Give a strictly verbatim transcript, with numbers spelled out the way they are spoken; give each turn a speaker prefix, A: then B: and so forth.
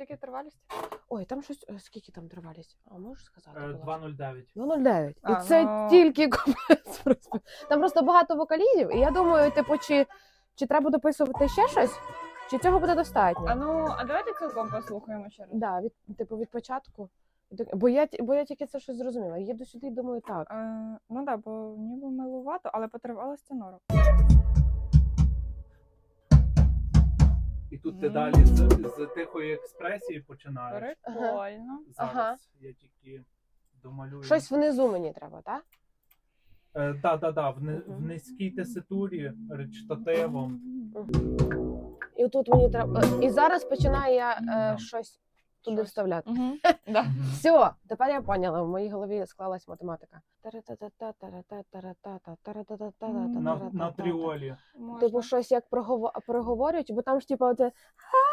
A: скільки тривалість? Ой, там щось, е, скільки там тривалість? А можеш сказати? будь ласка?
B: два нуль дев'ять.
A: два нуль дев'ять. І
C: А,
A: це
C: ну-
A: тільки капець просто. Там просто багато вокалізів, і я думаю, типу, чи, чи треба дописувати ще щось, чи цього буде достатньо?
C: А ну, а давайте цілком послухаємо ще раз.
A: Да, від, типу, від початку. Бо я, бо я тільки це щось зрозуміла. Їду сюди і думаю, так.
C: Е, ну так, да, бо ніби милувато, але по тривалості норм.
B: І тут ти
C: Мгм.
B: далі з, з тихої експресії починаєш.
C: Прикольно.
B: Зараз
A: Ага.
B: я тільки домалюю.
A: Щось внизу мені треба, так?
B: Е, да, да, да, в, ни- в
A: Мгм.
B: низькій теситурі, речитативом.
A: І тут мені треба. І зараз починаю я е,
B: Да.
A: щось туди
C: Щось.
A: вставляти.
C: Угу. Да.
B: Мгм.
A: Все, тепер я поняла, в моїй голові склалась математика.
B: На, на тріолі.
C: Можна.
A: Типу, щось як прогово- проговорюють, бо там ж типу оце